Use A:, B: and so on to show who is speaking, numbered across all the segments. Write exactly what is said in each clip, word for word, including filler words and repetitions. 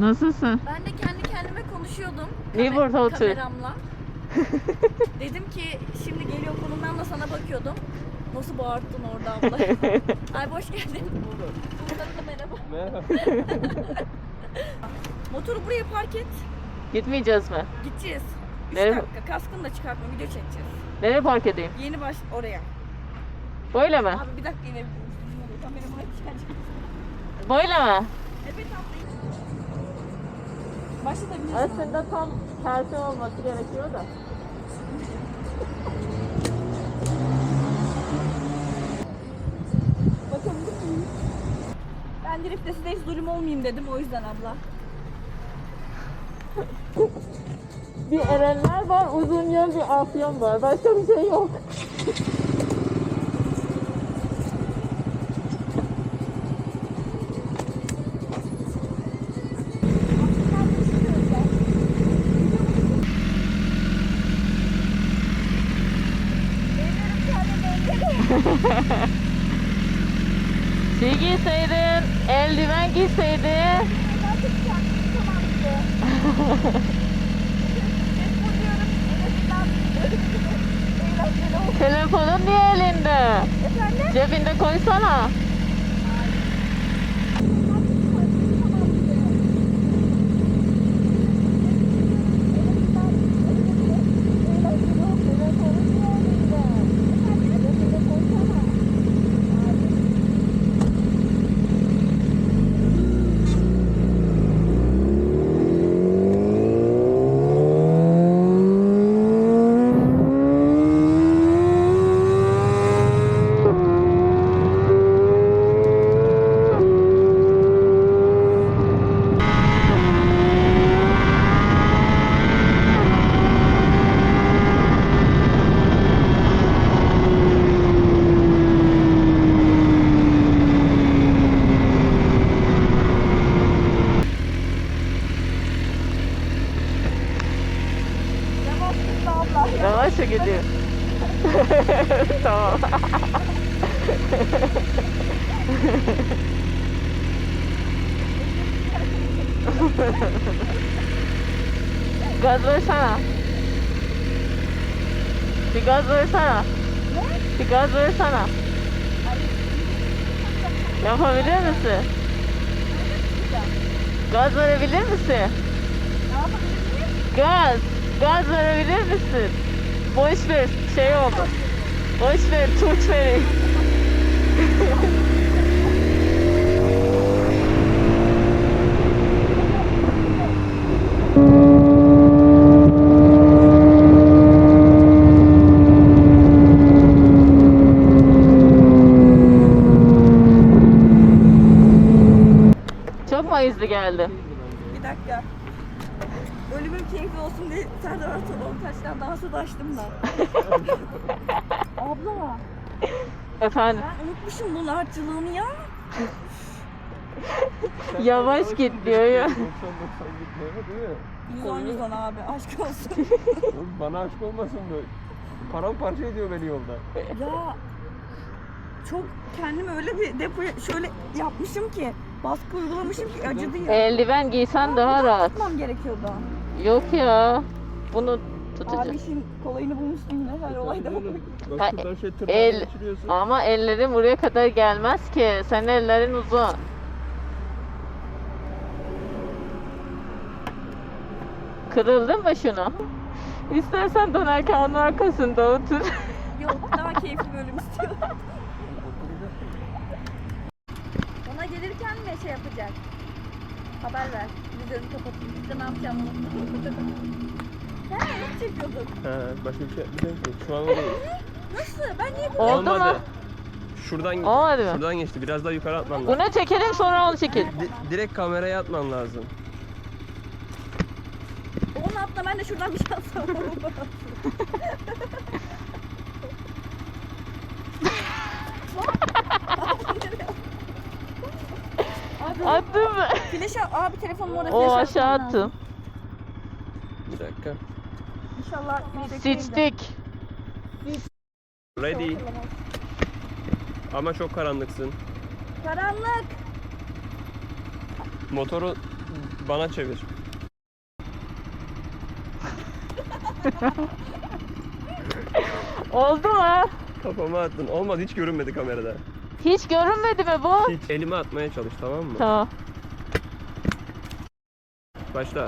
A: Nasılsın?
B: Ben de kendi kendime konuşuyordum.
A: Niye burada otur?
B: Kameramla. Dedim ki şimdi geliyor konumdan da sana bakıyordum. Nasıl bağırttın orada abla? Ay hoş geldin. Buradan da merhaba.
C: Merhaba.
B: Motoru buraya park et.
A: Gitmeyeceğiz mi?
B: Gideceğiz. üç
A: Nereye?
B: dakika. Kaskını da çıkartma. Video çekeceğiz.
A: Nereye park edeyim?
B: Yeni baş oraya.
A: Böyle mi?
B: Abi bir dakika inebilir misin? Kameramı açacağım.
A: Böyle mi?
B: Evet abla. Başlatabilirsin.
A: Aslında tam tersi olması gerekiyor da.
B: Bakabilir miyim? Ben drift size hiç zulüm olmayayım dedim o yüzden abla.
A: Bir Erenler var, uzun yol bir Afyon var. Başka bir şey yok. Şey giyseydin, eldiven giyseydin. Telefonun niye elinde?
B: Efendim?
A: Cebinde koysana. Yavaş gidiyor. Tamam. Gaz versene. Bir gaz versene. Bir gaz versene. Yapabilir misin? Gaz verebilir misin? Gaz. Gaz verebilir misin? Boş ver, şey oldu. Boş ver, turç vereyim. Çok mu hızlı geldi?
B: Bir dakika. Ölümüm keyifli olsun diye Serdar Ortadoğan taştan dansı da açtım da. Abla.
A: Efendim?
B: Ben unutmuşum bunun harçlığını ya.
A: Yavaş git diyor ya.
C: doksan doksan gitmiyor değil mi?
B: yüz on yüz on abi aşk olsun.
C: Oğlum bana aşk olmasın da. Paramparça ediyor beni yolda.
B: Ya çok kendimi öyle bir depoya şöyle yapmışım ki baskı uygulamışım ki acıdı ya.
A: Eldiven giysen daha rahat.
B: Tutmam gerekiyordu.
A: Yok ya. Bunu tutacağım.
B: Abi işin kolayını bulmuştum yine her olayda.
C: Bak
A: Ha,
C: şuradan şey tırnağı
A: El,
C: geçiriyorsun.
A: ama ellerin buraya kadar gelmez ki. Senin ellerin uzun. Kırıldın mı şunu? İstersen dönerken onun arkasında otur.
B: Yok daha keyifli bölüm istiyorum. Ona gelirken mi şey yapacak? Haber ver. Vizörünü kapatayım. Biz de ne yapacağım onu. Sen ne çekiyordun?
C: He, başka bir şey yapmayacağım ki. Şu an o değil.
B: Nasıl? Ben niye bu?
A: Oldu mu?
C: Şuradan,
A: Olmadı mı?
C: şuradan geçti. Biraz daha yukarı atman lazım.
A: Bunu çekelim sonra onu çekelim.
C: Di- direkt kameraya atman lazım.
B: Onu atla ben de şuradan bir şey atsam.
A: Attın mı?
B: Flash abi telefonum orada
A: O
B: flash
A: aşağı
B: atmam lazım.
A: attım.
C: Bir dakika.
B: İnşallah yedek değildir.
A: Seçtik.
C: Ready. Ama çok karanlıksın.
B: Karanlık.
C: Motoru bana çevir.
A: Oldu mu?
C: Kafama attın. Olmadı, hiç görünmedi kamerada.
A: Hiç görünmedi mi bu?
C: Hiç. Elime atmaya çalış, tamam mı?
A: Tamam.
C: Başla.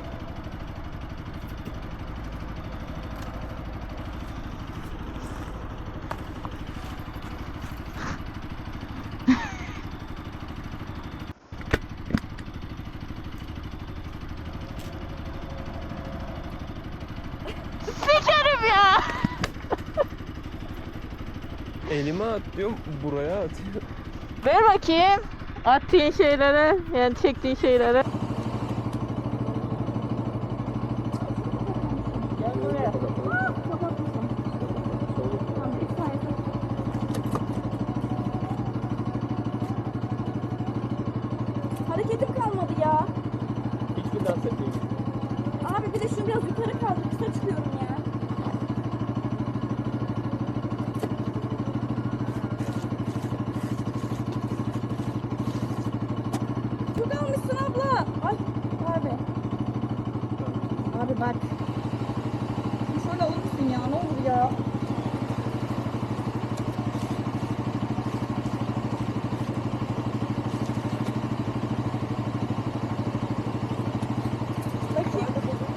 A: Sikerim ya.
C: Elime at diyorum, buraya atıyor.
A: Ver bakayım. Attığın şeylere, yani çektiğin şeylere. Gel buraya.
B: Hareketim kalmadı ya.
C: Hiçbir dans etmeyeyim.
B: Abi bir de şunu biraz yukarı kaldır. Kısa çıkıyorum ya. Çok almışsın abla. Ay abi. Abi bak. Bir şöyle alır mısın ya? Ne olur ya. Bakayım.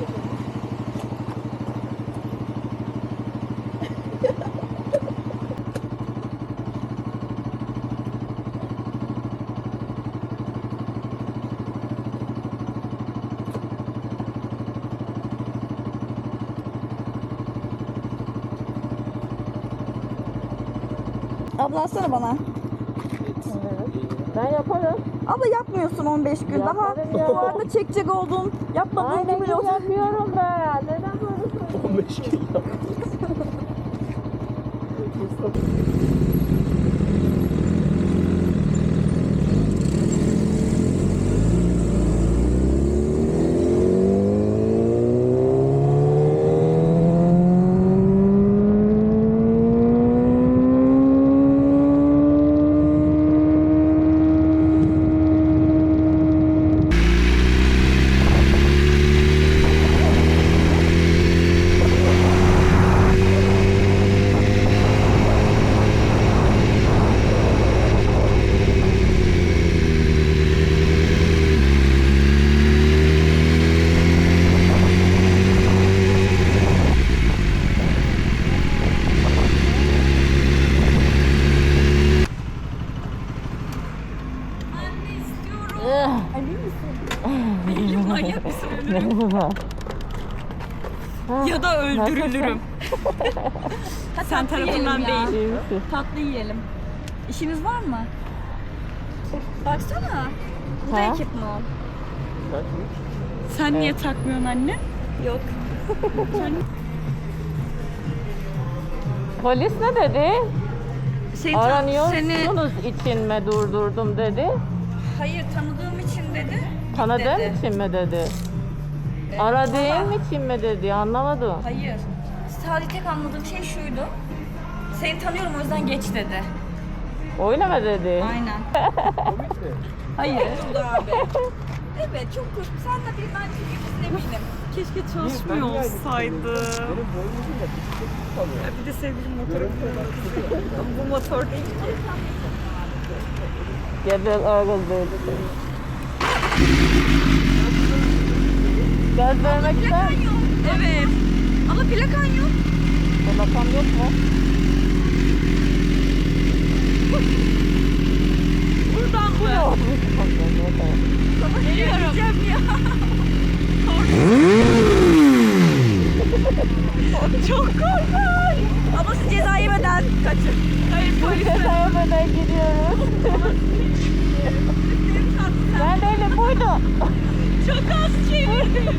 B: Abla atsana bana.
A: Ben yaparım.
B: Abla yapmıyorsun on beş gün. Daha
A: Yaparım ya.
B: bu arada çekecek oldun. Yapmadığın
A: Aynen
B: gibi olsun.
A: yapıyorum ben. Neden böyle söylüyorsun?
C: on beş gün yap.
B: Emin misin?
D: Manyak mısın? Ya da öldürülürüm. Sen tarafından değil.
A: İyi misin?
B: Tatlı yiyelim. İşiniz var mı? Baksana. Bu da
A: Ha?
B: ekipman.
D: Sen niye takmıyorsun anne?
B: Yok.
A: Polis ne dedi?
B: Seni, ta- seni
A: Aranıyorsunuz için mi durdurdum dedi.
B: hayır tanıdığım için dedi.
A: Tanıdığın
B: dedi.
A: için mi dedi?
B: Ee,
A: Aradığın
B: valla-
A: için mi dedi? Anlamadım.
B: Hayır. Sadece tek anladığım şey şuydu. Seni tanıyorum o yüzden geç dedi.
A: Öyle mi dedi?
B: Aynen. Hayır. abi. Evet çok korktum. Sen de bir ben çünkü eminim.
D: Keşke çalışmıyor olsaydı.
C: Benim boynum da bisiklet tutamıyor.
D: Bir de sevgilim motoru kullanıyor. Bu motor değil ki.
A: Gebel ağız dedi. Gaz vermek ister
B: Plakan
A: misin?
B: yok. Evet. Ama plakan yok.
A: Plakam yok mu?
D: Buradan mı? Geliyorum.
B: ya.
D: Çok korkunç.
B: Ama siz ceza yemeden kaçın.
D: Hayır polis.
A: Sayamadan gidiyoruz. Ben değilim buydu.
D: Çok az çevirdim.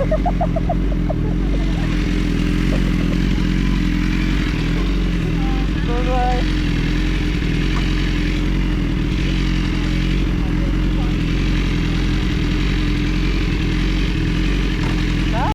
A: Bye bye.